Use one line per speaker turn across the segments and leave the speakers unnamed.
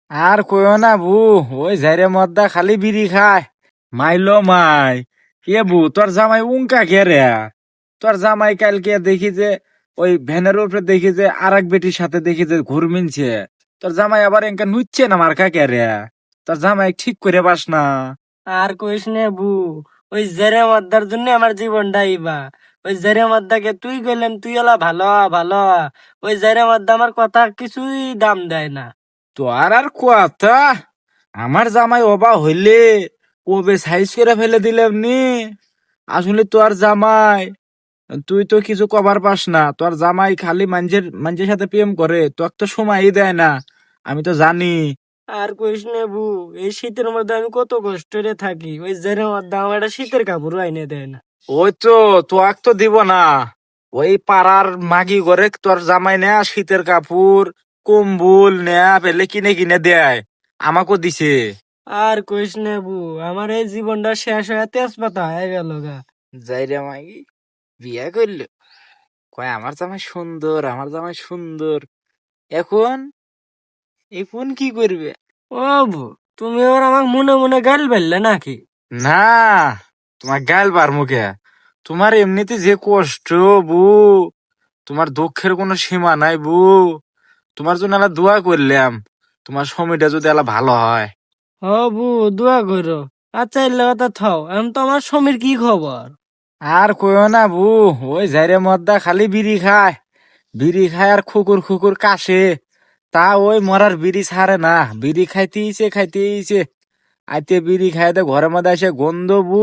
আর কইও না বু, ওই ঝাইরে মদ্দা খালি বিড়ি খায়। মাইলো মাই, এ বু তোর জামাই উনকা কে রে? তোর জামাই কালকে দেখি যে ওই ভ্যানের উপরে দেখি যে আর এক বেটির সাথে দেখি যে ঘুর মিনছে। তোর জামাই আবার এনকা নুচ্ছে না মার্কা কে রে? তোর জামাই ঠিক করে পাস না।
আর কইস নে বু, ওই জেরে মদ্দার জন্য আমার জীবনটা ইবা। ওই জেরে মদ্দাকে তুই কইলেন তুই ওলা ভালো হ, ভালো হ। ওই জেরে মদ্দা আমার কথা কিছুই দাম দেয় না।
তোর আর কথা, আমার জামাই অবা হইলে ওবে সাইজ করে ফেলে দিলাম নি। আসলে তোর জামাই, তুই তো কিছু কভার পাস না। তোর জামাই খালি মানুষের সাথে প্রেম করে, তোর তো সময়ই দেয় না। আমি তো জানি।
আর কইস নে বু, এই শীতের মধ্যে আমি কত কষ্ট রে থাকি। ওই জেরে মদ্দা আমার একটা শীতের কাপড় আইনে দেয় না।
ওই তো, তোয়াক তো দিব না। ওই পাড়ার মাগি করে তোর জামাই নেয়া শীতের কাপড় কম্বল নেয়া পেলে কিনে কিনে দেয়। আমাকেও দিছে।
আর কইস নে বু, আমার এই জীবনটা শেষ হয়ে তেজপাতা হয়ে গেল গা।
যাইরে মাগি বিয়া করলো, কয় আমার জামাই সুন্দর, আমার জামাই সুন্দর। এখন এখন কি করবে?
ও বু, তুমি ওর আমার মনে মনে গাল বেললে নাকি?
না, তোমার গাল বার মুখে। তোমার এমনিতে যে কষ্ট বু, তোমার দুঃখের কোনো সীমা নাই বু। তোমার জন্য আলা দোয়া করলাম, তোমার সময়টা যদি আলা ভালো হয়।
ও বু, দোয়া করো। আচ্ছা এলে কথা থাও, এখন তো আমার সমীর কি খবর?
আর কইও না বু, ওই যাইরে মদ্দা খালি বিড়ি খায়। বিড়ি খায় আর খুকুর খুকুর কাশে। তা ওই মরার বিড়ি ছাড়ে না, বিড়ি খাইতেইছে। আইতে বিড়ি খাইতে ঘরের মধ্যে এসে গন্ধ বু,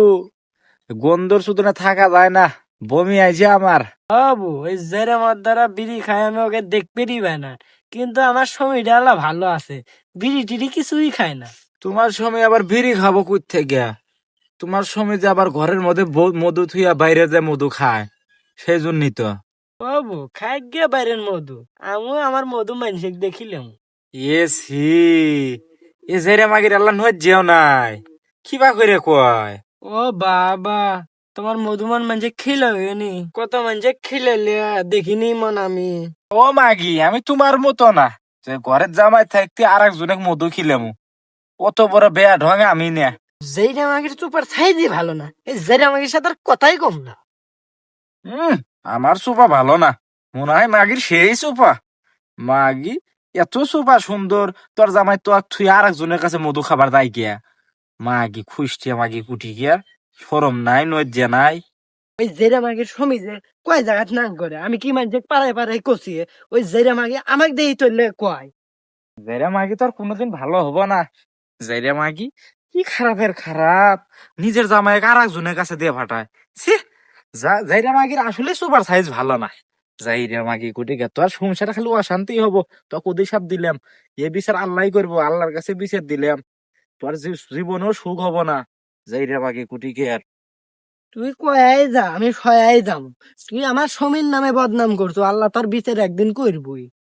গন্ধর শুধু না থাকা যায় না, বমি আইছে আমার।
বাবু ওই জেরে মদ্দারা বিড়ি খায় আমি ওকে দেখতেই পাই না, কিন্তু আমার সময়টা আল্লাহ ভালো আছে। বিড়ি টিড়ি কিছুই খায় না।
তোমার সময় আবার বিড়ি খাবো কই থেকে? তোমার সময় যে আবার ঘরের মধ্যে মধু থুইয়া বাইরে যে মধু খায়, সেই জন্যই তো।
বাবু খাই গিয়ে বাইরের মধু, আমিও আমার মধু মানুষকে দেখিলাম।
এসি এ যাইরে মাগির আল্লাহ নয় যেও নাই, কিবা করে কয়।
ও বাবা, তোমার মধুমান মানুষে খিলাবে কত মানুষে খিলালে দেখিনি মন আমি।
ও মাগি, আমি তোমার মতো না যে ঘরের জামাই থাকতে আর একজনের মধু খিলামু। অত বড় বেয়া ঢং আমি না।
যেইটা আমাকে চুপার সাইজই ভালো না, এই যেটা আমাকে সাথে আর কথাই কম না।
হম, আমার সোফা ভালো না, মনে হয় মাগির সেই সোফা। মাগি এত সোফা সুন্দর, তোর জামাই তো আর তুই আর একজনের কাছে মধু খাবার দায় গিয়া। মাগি খুঁজছে, মাগি কুটি গিয়া, শরম নাই নজ্জা নাই।
ওই যেরা মাগে সমিজে কয় জায়গাত নাম করে, আমি কি মানুষ পাড়ায় পাড়ায় কষিয়ে ওই যেরা মাগে আমাকে দিয়ে চললে কয়।
যাইরা মাগি তো আর কোনোদিন ভালো হবো না। যাইরা মাগি কি খারাপের খারাপ, নিজের জামাই আর একজনের কাছে দিয়ে ফাটায়। ছি, যাইরা মাগির আসলে সুপার সাইজ ভালো না। যাইরা মাগি কুটি গে, তোর সংসারে খালি অশান্তি হবো। তো অভিশাপ দিলাম, এ বিচার আল্লাহ করবো, আল্লাহর কাছে বিচার দিলাম। তোর জীবনেও সুখ হবো না। যাইরা মাগি কুটি গে আর।
তুই কয়াই যা, আমি সয়াই যাম। তুই আমার সমীর নামে বদনাম করছো, আল্লাহ তোর বিচার একদিন করবই।